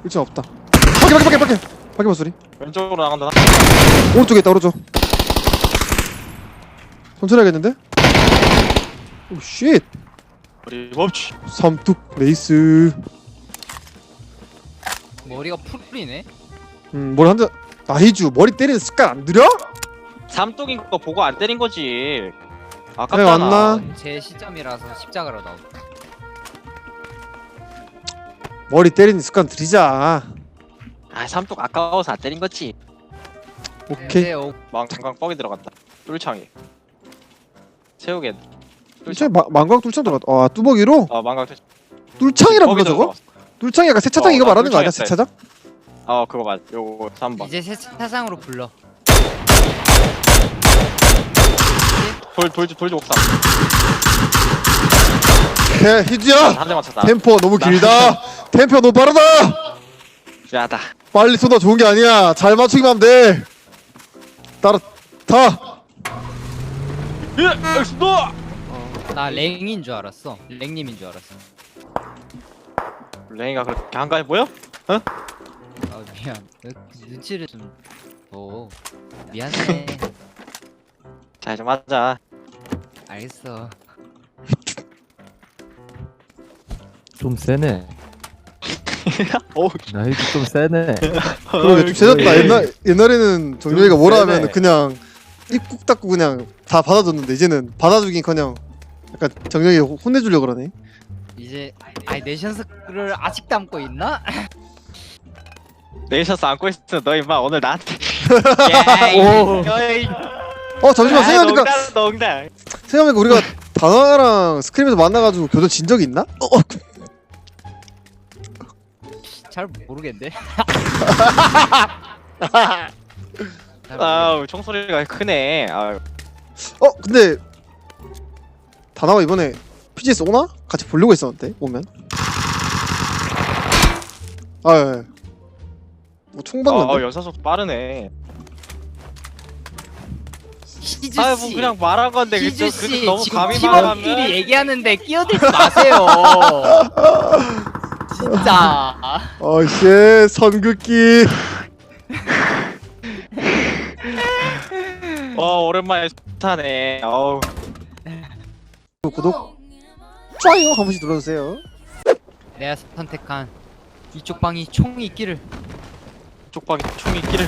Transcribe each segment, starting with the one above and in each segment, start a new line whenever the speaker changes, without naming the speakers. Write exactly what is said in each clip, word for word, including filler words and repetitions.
일층 없다. 밖에 밖에 밖에 밖에 밖에 봐 소리.
왼쪽으로 나간다.
오른쪽에 있다 오른쪽. 천천히 하겠는데? 오 쉣.
우리 멈추.
삼뚝 레이스.
머리가 풀이네.
음 머리 한대. 나이주 머리 때리는 습관 안 들여?
삼뚝인 거 보고 안 때린 거지.
그래,
아깝잖아.
왔나?
제 시점이라서 십자가로 나오고.
머리 때리는 습관 들이자.
아 삼뚝 아까워서 안 때린 거지.
오케이.
네, 어,
망강 뻑이 들어갔다. 뚫창이. 새우개.
뚫창 망광 뚫창 들어갔다. 아 뚜벅이로?
어 망강 뚫.
뚫창이라 불러 저거? 뚫창이 약간 세차장
어,
이거
나
말하는 거 아니야?
뚫창
세차장?
어 그거 맞. 요거 삼 번.
이제 세차장으로 불러.
돌 돌 돌지 옥상.
개 희주야.
한 대 맞췄다.
템포 너무
나-
길다. 템포 너무 빠르다.
야다.
빨리 쏘다 좋은 게 아니야. 잘 맞추기만 하면 돼. 따라 타.
예, 너.
나 랭인 줄 알았어. 랭님인 줄 알았어.
랭이가 그렇게 한가해 보여?
아 미안. 눈치를 좀. 오 미안해.
자 이제 맞자.
알겠어.
좀 세네.
오.
나이도 좀 세네.
그러게 좀 세졌다. 옛날 옛날에는 정렬이가 뭐라
세네.
하면 그냥 입국 닫고 그냥 다 받아줬는데 이제는 받아주긴 커녕 약간 정렬이 혼내주려 고 그러네.
이제 아이 내션스를 아직 담고 있나?
네이셔스 안고 있어. 너 임마 오늘 나한테.
오.
야이.
어 잠시만
아,
생각해보니까
농담 농담.
생각해보니까 우리가 다나랑 스크림에서 만나가지고 교전 진 적이 있나? 어, 어.
잘 모르겠는데. 잘
아우 총소리가 크네. 아유.
어 근데 다나가 이번에 피지에스 오나? 같이 보려고 했었는데 오면. 아 예. 뭐총 받는데?
어 연사 속도 빠르네.
희주
아유
씨.
뭐 그냥 말한 건데
희주
그저
씨
그 너무
지금
감히
팀원끼리
말하면.
얘기하는데 끼어들지 마세요. 진짜.
어씨 선긋기.
어 오랜만에 타네. 어우.
구독 좋아요 한 번씩 눌러주세요.
내가 선택한 이쪽 방이 총이 있기를.
쪽방에 총이 있기를.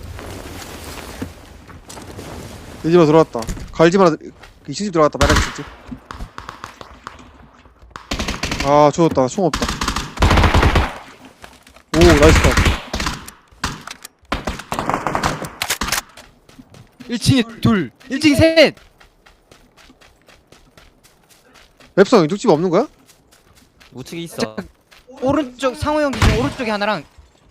내 집으로 들어왔다. 갈집 하나 이 층 집 들어갔다. 빨간 집. 아 죽었다. 총 없다. 오 나이스 컷.
일 층에 둘, 일 층에 셋.
맵상 이쪽 집 없는 거야?
우측에 있어.
오른쪽 상호 형 기준 오른쪽에 하나랑.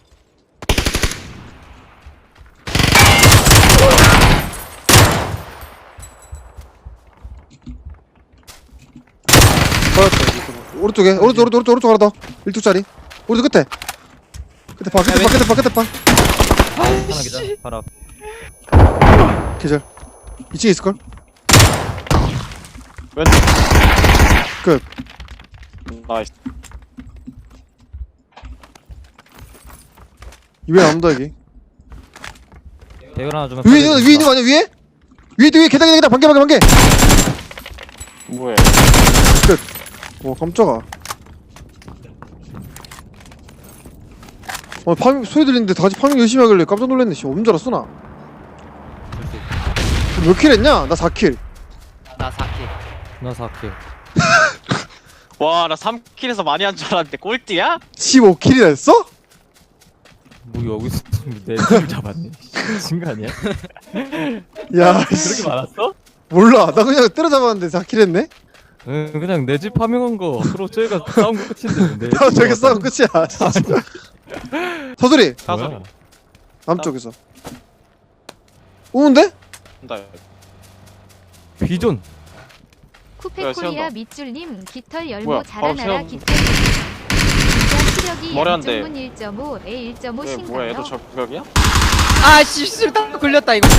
받았다. 오른쪽에 오른쪽 오른쪽 오른쪽 오른쪽 하나 더. 일뚝짜리. 오른쪽 끝에. 끝에 봐 끝에 봐 끝에 봐 끝에 봐.
하나 기자. 바로 앞.
계절. 이 층에 있을걸?
왼쪽.
끝.
음, 나이스.
이외에 아무도 여기.
대결 하나 주면.
위에 있는 거 위에 있는 거 아니야 위에? 위에 위에 계단 계단 반개 반개 반개.
뭐해?
와 깜짝아. 어 파밍 소리 들리는데 다 같이 파밍 열심히 하길래 깜짝 놀랐네. 씨 없는 줄 알았어 나. 몇 킬 했냐? 나 사 킬.
나 사 킬.
나 사 킬.
와 나 삼 킬에서 많이 한 줄 알았는데 꼴찌야?
십오 킬이나 했어?
뭐 여기서 내팀 잡았네. 미친 거 아니야?
야
그렇게
씨.
많았어?
몰라 나 그냥 때려잡았는데 사 킬 했네?
응 그냥 내 집 파밍한 거 서로 저희가 싸운 거 끝인데. 내
나
집
저기
왔다.
싸움 끝이야 진짜. 서두리
사소리.
뭐야?
남쪽에서 오는데?
나
비존.
야,
쿠페코리아
세운다.
밑줄님 깃털
뭐야,
열모
바로
자라나라
세운-
깃털 진짜 시력이
머리 한 대.
양쪽문 일 점 오 에 일 점 오
왜 뭐야
신가요?
얘도 저격이야?
아 씨술 딱 걸렸다 이거.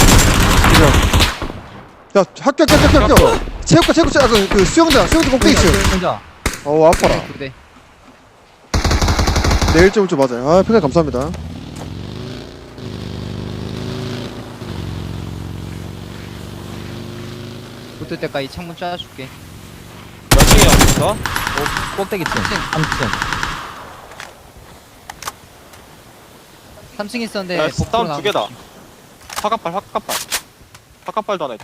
야 학교 학교 학교 학교 체육관 체육관 아, 그, 그 수영장 수영장 꼭대기 층
혼자.
어우 아파라.
그래.
내 일 점 오 초 맞아요. 아 평가 감사합니다.
붙을 때까지 창문 쏴줄게.
몇 층이야 있어?
꼭대기 층. 삼 층.
삼 층 있었는데
야,
복도로
다운 두
나가고
개다.
있지.
화갑발 화갑발 화갑발도 하나 있다.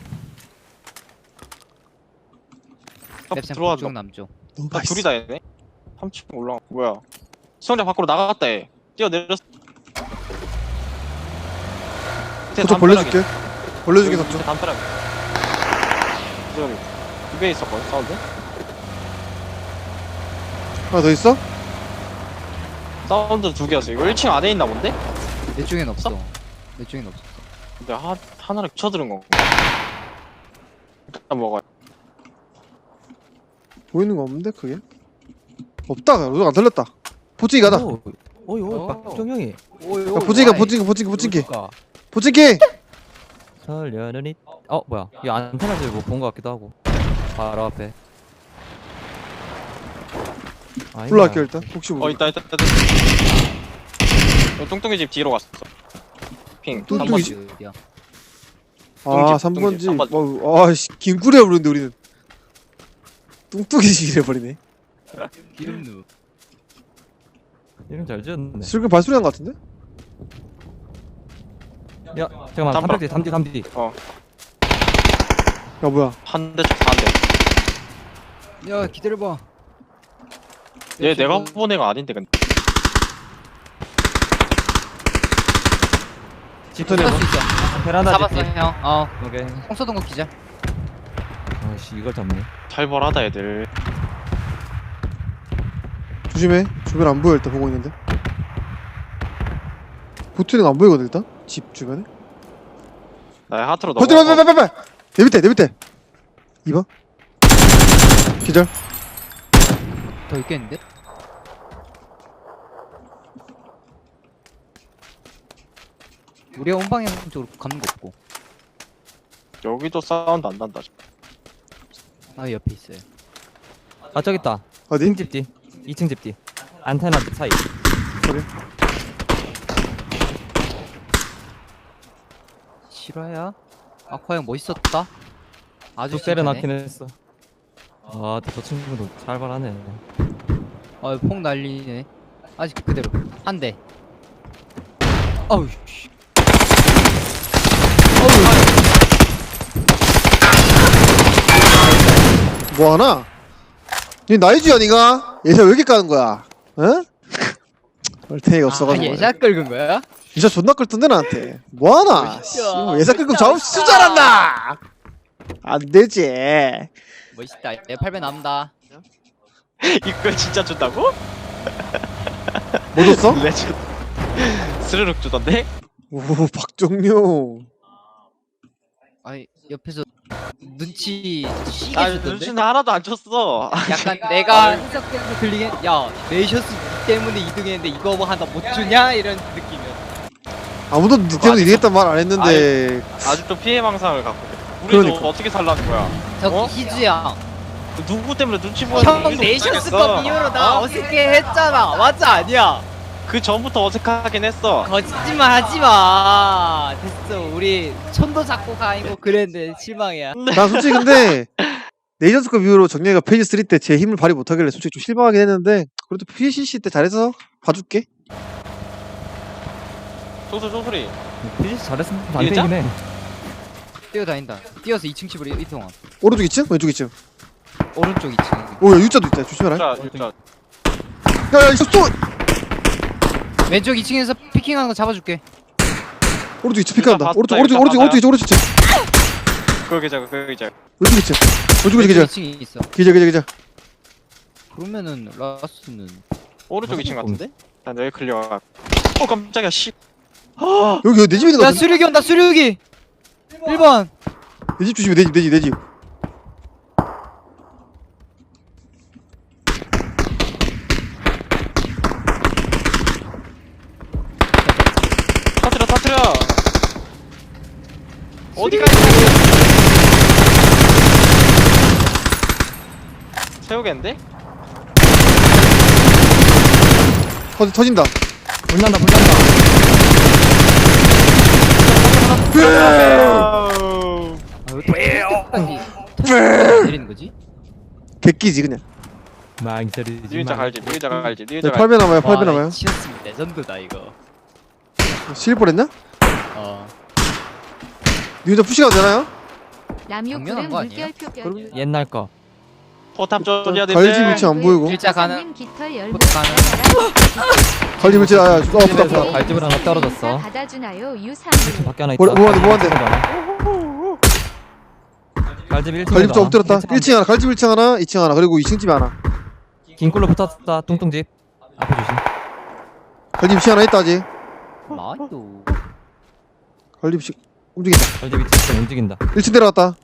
아,
랩생
들어와
북쪽
너.
남쪽.
너무
아,
맛있어.
둘이다 얘네. 삼 층 올라. 뭐야? 수영장 밖으로 나갔다 얘. 뛰어내렸어.
저쪽 벌려줄게. 벌려주게 샀죠.
담벼락. 저기 두개 있었거든 사운드.
하나 더 있어?
사운드 두 개였어. 이거 일 층 안에 있나 본데?
내 쪽엔 없어. 내 쪽엔 없어.
근데 하, 하나를 쳐들은 건가? 일단 먹어요.
보이는 거 없는데 그게? 없다. 로드가 안 털렸다. 보찌기 가다.
오, 오이 오이
오.
박정형이.
오이
야, 보찌기가 보찌기 보찌기 보찌기
그러니까.
보찌기.
설련은 이. 어 뭐야? 이 안테나들 뭐본 거 같기도 하고. 바로 앞에. 아닌가?
올라갈게요 일단. 혹시
어
모르.
있다 있다 있다. 어, 뚱뚱이 집 뒤로 갔어. 핑.
뚱뚱이
삼 번.
집?
어디야?
아
뚱집,
삼 번지.
뚱집, 삼
어, 아씨 김구리야 부르는데 우리는 뚱뚱이식이래 버리네.
기름누.
이름 잘 지었네.
슬금 발소리 난 거 같은데?
야 잠깐만
담벼락.
삼백대 삼디 삼디.
야 뭐야?
한 대 쪽 다 한 대.
야 기다려봐.
얘 내가 본 애가 아닌데 근데.
집터네.
할수 있어.
베란다
잡았어
집디.
형. 어.
오케이.
홍 쏘던 거 기자.
아씨 이걸 잡네.
살벌하다 애들.
조심해. 주변 안 보여 일단 보고 있는데. 보트는 안 보이거든 일단. 집 주변에.
나의 하트로
버텨
넘어.
버텨 버텨 버텨. 내 밑에 내 밑에. 이 번. 기절.
더 있겠는데? 우리가 온방향 쪽으로 가는 거 없고.
여기도 사운드 안 난다.
아 옆에 있어요.
아 저기 있다.
어디?
이 층 집디. 이 층 집디. 안테나 사이.
그래.
실화야? 아쿠아 형 멋있었다. 아주
쭉 때려놨긴
칭찬해.
했어. 아, 저 친구도 살벌하네.
어, 폭 날리네. 아직 그대로. 한 대. 어우, 씨.
뭐하나? 니 나이주야 니가? 예사 왜 이렇게 까는 거야? 어? 얼탱이가 없어가지고.
아, 예사 끌은 거야?
예사 존나 끌던데 나한테. 뭐하나? 씨, 뭐 예사 끌고 잡을 수 줄 알았나? 안되지.
멋있다. 내 팔 배 남다.
이걸 진짜 준다고?
뭐 줬어?
레전. 스르륵 주던데?
오 박정용.
아이, 옆에서 눈치 시게
아
주던데?
눈치는 하나도 안 줬어.
약간 내가 해석해서 들리게 야, 네이셔스 니 때문에 이 등 했는데 이거 뭐 하나 못 주냐? 이런 느낌이야.
아무도 니 때문에 이기겠단 말 안 했는데.
아직도 피해 망상을 갖고 있어. 우리도
그러니까.
어떻게 살라는 거야?
저기
어?
희주야.
누구 때문에 눈치 보여?
형 네이셔스컵 이후로 나 어색해 했잖아. 맞아 아니야?
그 전부터 어색하긴 했어.
거짓말 하지 마. 됐어. 우리 손도 잡고 가이고 그랬는데 실망이야.
난 솔직히 근데 네이션스컵 이후로 정리가 페이지 쓰리 때 제 힘을 발휘 못하길래 솔직히 좀 실망하긴 했는데 그래도 피씨씨 때 잘해서 봐줄게.
소소 소소리.
피지스 잘했으면
이랬자?
반대이긴 해.
뛰어다닌다. 뛰어서 이 층 집으로 이동함.
오른쪽 이 층? 왼쪽 이 층?
오른쪽 이 층.
오야 U자도 있다 조심해라.
진짜 진짜.
야야 이거 또
왼쪽 이 층에서 피킹하는 거 잡아줄게.
오른쪽 이 층 피크한다.
봤다,
오른쪽 오른쪽
이거
오른쪽 오른쪽 이 층 오른쪽 이 층
그거 자 그거 자.
왼쪽 이 층 왼쪽 이 층
왼쪽
기자
이 층에 있어.
기자 기자 기자.
그러면은 라스는
오른쪽
맞아,
이 층 같은데? 난 여기 클리어. 어 깜짝이야 씨.
여기 여기 내 집에 있는 거
야
같은데?
수륙이 온다 수륙이. 일 번.
내 집 조심해 내 집 내 집 내 집.
터트려 터트려. 어디까지? 세우겠는데?
터, 터진다.
불난다 불난다.
아, 왜 이렇게 내리는 거지?
객기지 그냥.
망설이지
니은자
마.
갈지 니은자 갈지
네,
니은자 갈지
팔 배 남아요. 팔 배 남아요.
치였으면 레전드다 이거.
실 뻔했냐?
어.
니혼자 푸시가 되나요?
당연한
남유쿠는
거 아니에요?
물결표 별.
그럼
옛날 거.
포탑 좀
갈지 위치 안 보이고.
일자 가는.
님 깃털 열무.
포탑 가는.
갈지 위치 아야. 어 아프다
집에서
아프다.
갈집을 하나 떨어졌어.
받아주나요 유삼.
밖에 하나 있다.
뭐- 뭐하는데, 뭐하는데?
갈집 일 층.
갈집 좀 엎드렸다. 일 층 하나, 갈집 일 층 하나, 이 층 하나, 그리고 이 층 집에 하나.
긴꿀로 붙었다. 뚱뚱집. 앞에 조심.
갈집 이 층 하나 있다 아직.
나도.
갈집 이 층 움직인다.
갈집 이 층 움직인다.
일 층 내려갔다.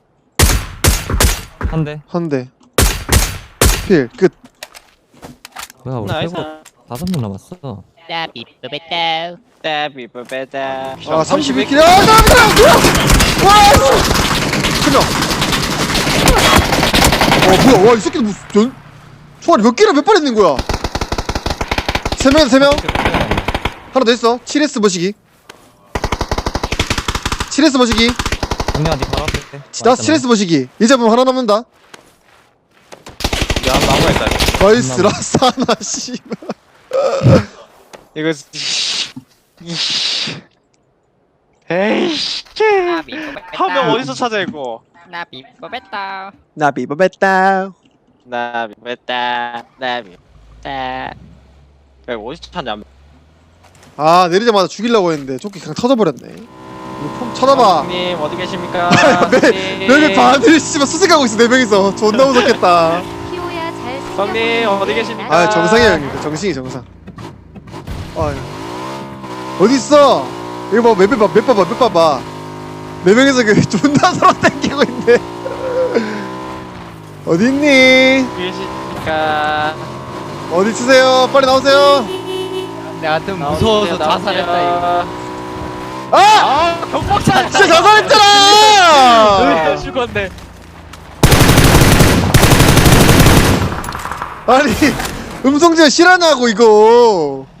한 대.
한 대. 필 끝.
뭐야 우리
나이스
세고 다섯 명 남았어.
따비쁘베따.
따비브베다
아 삼십일 킬. 아 나비다. 와. 한 명. 어 뭐야? 와 이 새끼들 무슨 전 총알이 몇 개를 몇 발 있는 거야? 세 명, 세 명. 하나 더 있어. 칠 에스 머시기. 칠 에스 머시기.
정리한 니 바로 앞에.
나 칠 에스 머시기. 얘 잡으면 하나 남는다.
야 나무가 있다
나이스 라스 하나 씨발.
이거 에이 한 명 어디서 찾아 이거
나비쁘베따.
나비 바베따.
나비브베다 나비브베다 야 이거 어디서 찾냐
아 내리자마자 죽이려고 했는데 조끼 그냥 터져버렸네. 이거 폼 쳐다봐.
님 어디 계십니까
네 명이 반을 씨발 수색하고 있어 네 명이서. 존나 무섭겠다.
키오야 잘.
성님, 어디 계십니까?
아 정상이야 형님. 정신이 정상. 아 어디 있어? 이거 봐 맵 봐봐 맵 봐봐 맵 봐봐. 네 명이서 그 존나 서로 땡기고 있네. 어디 있니?
계십니까
어디 있으세요? 빨리 나오세요.
내가 좀 무서워서 자살했다 이거.
아!
아 경박사
진짜 자살했잖아.
왜 죽었네
아니 음성제 실하냐고 이거.